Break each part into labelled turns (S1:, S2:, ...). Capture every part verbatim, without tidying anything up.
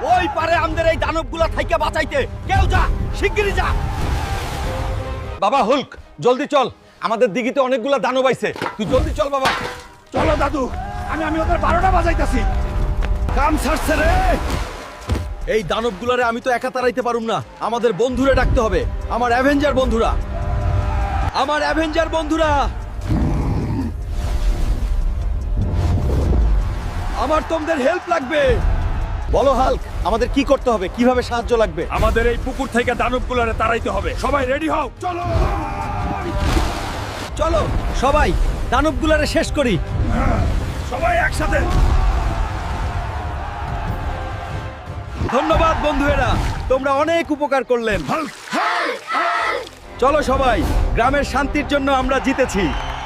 S1: ওই পারে আমাদের এই দানবগুলা থাইকে বাঁচাইতে কেউ যা, শিগগিরই যা। বাবা হুল্ক, জলদি চল, আমাদের দিঘিতে অনেকগুলা দানব আইছে, তুই জলদি চল বাবা।
S2: চলো দাদু, আমি আমি ওদের বারোটা বাজাইতাছি।
S1: কাম ছাড়ছে রে। এই দানবগুলারে আমি তো একা তাড়াইতে পারুম না, আমাদের বন্ধুরে ডাকতে হবে, আমার অ্যাভেঞ্জার বন্ধুরা, আমার অ্যাভেঞ্জার বন্ধুরা। আমার তোমাদের হেল্প লাগবে। বলো হাল্ক, আমাদের কি করতে হবে, কিভাবে সাহায্য লাগবে?
S2: আমাদের এই পুকুর থেকে দানবগুলোরে তাড়াইতে হবে। সবাই রেডি হও, চলো।
S1: চলো সবাই দানবগুলারে শেষ করি।
S2: সবাই একসাথে।
S1: ধন্যবাদ বন্ধুরা, তোমরা অনেক উপকার করলেন। চলো সবাই, গ্রামের শান্তির জন্য আমরা জিতেছি।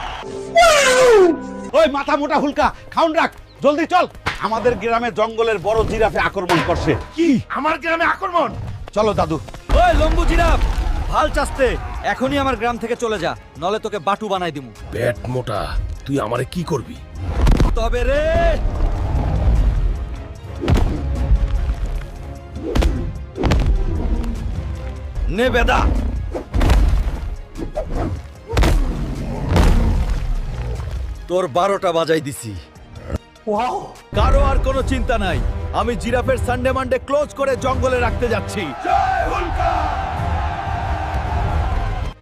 S1: ওই মাথা মোটা হুলকা, খাউন রাখ, জলদি চল। আমাদের গ্রামে জঙ্গলের বড় জিরাফে আক্রমণ করছে।
S2: কি আমার গ্রামে আক্রমণ?
S1: চলো দাদু। ওই লম্বু জিরাফ, ভাল চাস্তে, এখনই আমার গ্রাম থেকে চলে যা, নলে তোকে বাটু বানাই দিমু।
S2: পেট মোটা, তুই আমারে কি করবি?
S1: তবে রে নে বেদা। তোর বারোটা বাজাই দিছি। কারো আর কোনো চিন্তা নাই, আমি জিরাফের সানডে মানডে ক্লোজ করে জঙ্গলে রাখতে যাচ্ছি।
S2: জয় হুলকা।